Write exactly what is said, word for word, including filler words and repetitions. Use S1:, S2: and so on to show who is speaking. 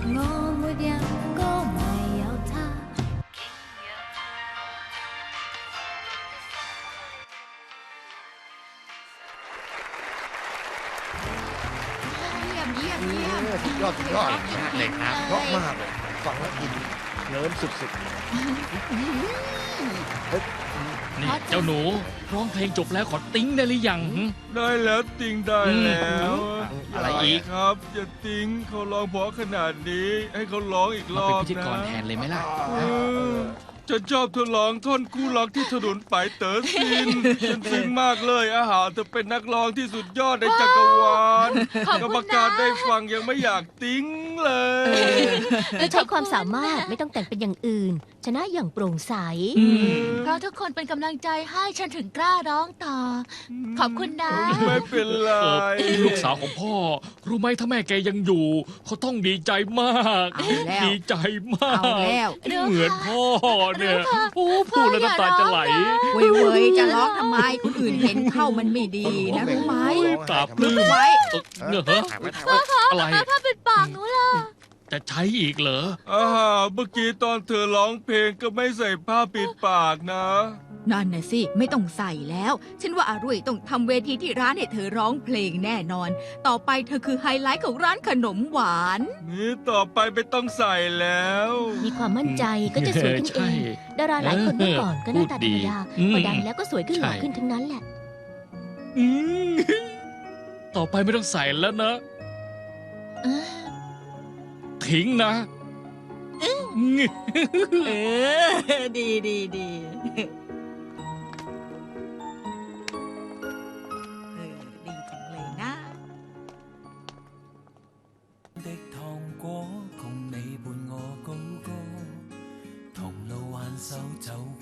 S1: 我沒有歌迷有他。
S2: เยี่ยมเยี่ยมเยี่ยม
S3: สุดยอดสุดยอด
S4: เลยครับ
S3: เพราะมากเลยฟังแล้วอินเลิมสุด
S4: นี่เจ้าหนูร้องเพลงจบแล้วขอติ้งได้หรือยังหึ
S5: ได้แล้วติงได้แล้ว
S3: ๆอะไรอีก
S5: ครับอย่าติงเขาร้องเพราะขนาดนี้ให้เขาร้องอีกร
S4: มา
S5: อ
S4: เป็น
S5: บ
S4: พิธีกร
S5: นะ
S4: แทนเลยไหมล่ะ
S5: เออฉันชอบเธอร้องท่อนคู่รักที่ถนนไปเต๋อซินฉันซึ้งมากเลยอาหารเธอเป็นนักร้องที่สุดยอดในจักรวาล
S2: ขอบคุณนะ
S5: กรรมการได้ฟังยังไม่อยากติ้งเลย
S6: เราใช้ความสามารถไม่ต้องแต่งเป็นอย่างอื่น ชนะอย่างโปร่งใส
S2: เพราะทุกคนเป็นกำลังใจให้ฉันถึงกล้าร้องต่อ ขอบคุณนะ
S5: ไม่เป็นไร
S4: เออลูกสาวของพ่อ รู้ไหมถ้าแม่แกยังอยู่ เขาต้องดีใจมาก
S2: เอาแล้ว
S4: ดีใจมาก
S2: เอาแล้ว
S4: ที่เหมือนพ่อเนี่ยโอ้พูดแล้วน้ำตาจะไหล
S2: เว้ยเว้ยจะร้องทำไมคนอื่นเห็นเข้ามันไม่ดีนะรู้ไหม
S4: ปราบปลื้ม
S2: ไว้
S4: เนอะ
S3: ถ่ายไว้ถ่ายไว้
S4: อะไร
S2: ถ้าเป็นปากหนูล่ะ
S4: จะใช้อีกเหรอ
S5: อาหารเมื่อกี้ตอนเธอร้องเพลงก็ไม่ใส่ผ้าปิดปากนะ
S2: นั่นน่ะสิไม่ต้องใส่แล้ว ฉันว่าอารุ่ยต้องทำเวทีที่ร้านให้เธอร้องเพลงแน่นอน ต่อไปเธอคือไฮไลท์ของร้านขนมหวาน
S5: นี่ต่อไปไม่ต้องใส่แล้ว
S6: มีความมั่นใจก็จะสวยขึ้นเอ
S4: ใช่
S6: ง ดาราหลายคนเมื่อก่อนก็หน้าตาธรรมดา
S4: พูดดี
S6: พอดังแล้วก็สวยขึ้นหล่อ
S4: ใช่
S6: ขึ้นทั้งนั้นแหละ
S4: อืมต่อไปไม่ต้องใส่แล้วนะ ทิ้งนะ
S2: เออ ดีดีดีเออ ดีจังเลยนะ
S7: 的糖果，共你伴我高歌，同路挽手走